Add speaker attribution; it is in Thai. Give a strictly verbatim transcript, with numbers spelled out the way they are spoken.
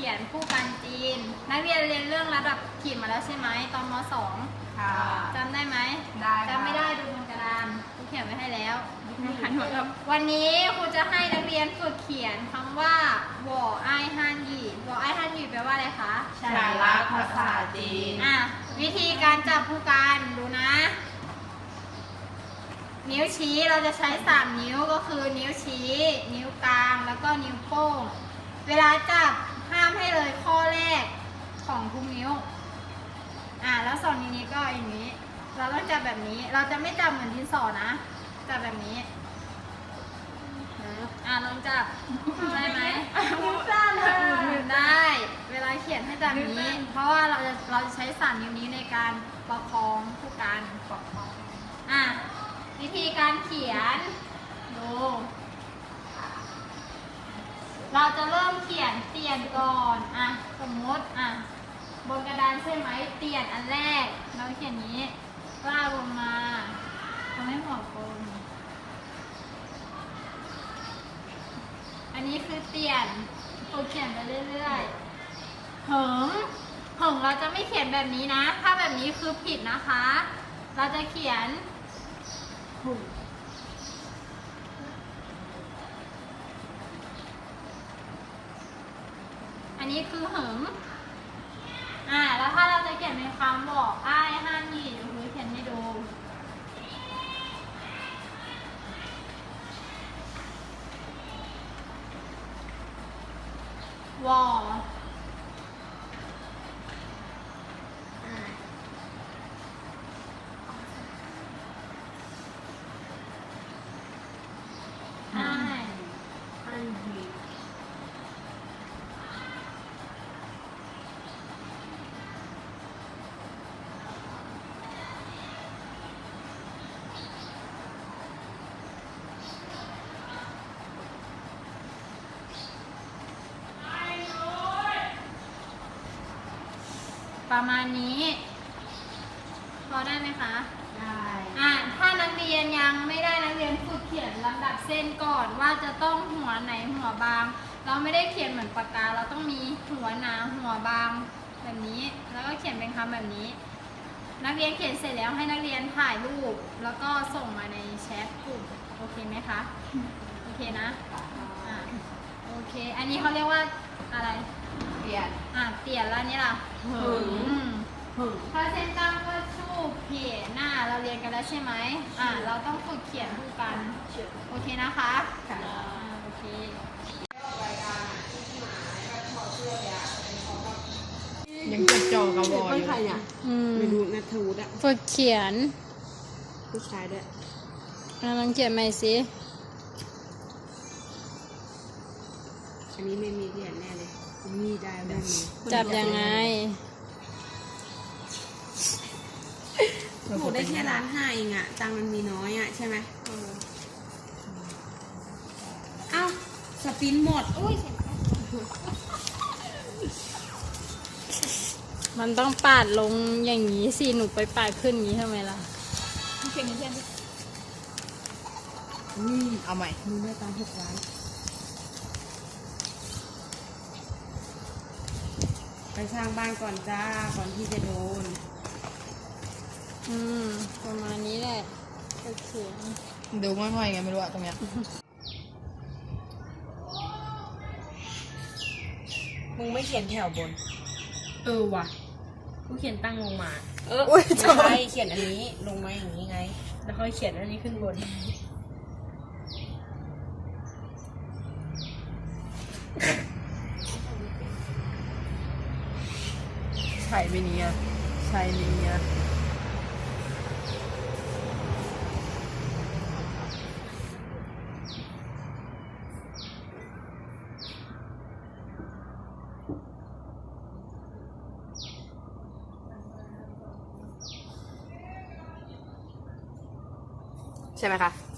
Speaker 1: ขียนผู้กันจีนนักเรียนเรียนเรื่องระดับขีดมาแล้วใช่ไหมตอนม สอง
Speaker 2: ค่ะ
Speaker 1: จำได้ไหม
Speaker 2: ได้
Speaker 1: จำไม่ได้ดูบนกระดานครูเขียนไว้ให้แล้ววันนี้ครูจะให้นักเรียนฝึกเขียนคำว่าหวอไอฮันหยีหวอไอฮันหยีแปลว่าอะไรคะ
Speaker 2: ฉันรักภาษาจีน
Speaker 1: อ่ะวิธีการจับผู้กันดูนะ นิ้วชี้เราจะใช้สามนิ้วก็คือนิ้วชี้ นิ้วกลางแล้วก็นิ้วโป้งเวลาจับห้ามให้เลยข้อแรกของทุกนิ้วอ่ะแล้วสองนิ้วนี้ก็อย่างนี้ เราต้องจับแบบนี้เราจะไม่จับเหมือนดินสอนะจับแบบนี้อ่ะลองจับได้ไหมมือสั้นเลยมือได้เวลาเขียนให้จับแบบนี้ เพราะว่าเราจะเราจะใช้สามนิ้วนี้ในการประคองผู้กันประคองอ่ะวิธีการเขียนดูเราจะเริ่มเขียนเตียนก่อนอ่ะสมมติอ่ะบนกระดานใช่ไหมเตียนอันแรกเราเขียนนี้ลากลงมาทำให้หัวกลมอันนี้คือเตียนฝึกเขียนไปเรื่อยๆเหิงเหิงเราจะไม่เขียนแบบนี้นะถ้าแบบนี้คือผิดนะคะ เราจะเขียนอันนี้คือเหิงอ่าแล้วถ้าเราจะเขียนเป็นคำบอกอ้ายห้านี่เดี๋ยวครูเขียนให้ดูวออ้ายอันดีประมาณนี้พอได้ไหมคะได้อ่าถ้านักเรียนยังไม่ได้นักเรียนฝึกเขียนลำดับเส้นก่อนว่าจะต้องหัวไหนหัวบางเราไม่ได้เขียนเหมือนปากกาเราต้องมีหัวหนาหัวบางแบบนี้แล้วก็เขียนเป็นคำแบบนี้นักเรียนเขียนเสร็จแล้วให้นักเรียนถ่ายรูปแล้วก็ส่งมาในแชทกลุ่มโอเคไหมคะโอเคนะอ่าโอเคอันนี้เขาเรียกว่าอะไร
Speaker 2: เปลี่ยน
Speaker 1: อ่ะเปลี่ยนแล้วนี่ล่ะหึงหึงถ้าเส้นตั้งก็ชู่เพียหน้าเราเรียนกันแล้วใช่ไหมอ่ะเราต้องฝึกเขียนคู่กันโอเคนะคะค่ะโอเค
Speaker 2: ยังจดจ่อกับวออยู่
Speaker 3: ใครเนี่ยไม่รู้นัทวุฒิอะ
Speaker 1: ฝึกเขียน
Speaker 3: ผู้ชายด้วย
Speaker 1: ลองเขียนใหม่สิ
Speaker 3: อันนี้ไม่มีเรียนแน่เลยมีได้ไม่มี
Speaker 1: จับยังไง
Speaker 3: ถูกได้แค่ล้านห้าเองอะตังค์มันมีน้อยอะใช่ไหมเอ้าสปินหมดอุ้ย
Speaker 1: มันต้องปาดลงอย่างนี้สิหนูไปปาดขึ้นอย่างนี้ทำไมล่ะเขียนเขียน
Speaker 2: นี่เอาใหม่
Speaker 3: มีแม่ตังค์หกล้านไปสร้างบ้านก่อนจ้าก่อนที่จะโดน
Speaker 1: อืมประมาณนี้แหละก็เขียน
Speaker 2: ดูง่อยๆไงไม่รู้อะตรงเนี้ย
Speaker 3: มึงไม่เขียนแถวบนเออว่ะกูเขียนตั้งลงมาเออ
Speaker 2: อุ้ย
Speaker 3: ไม่ใช่เขียนอันนี้ลงมาอย่างนี้ไงแล้วค่อยเขียนอันนี้ขึ้นบน
Speaker 2: ใช่ไหมเนี่ยใช่ไหมเนี่ยใช่ไหมคะ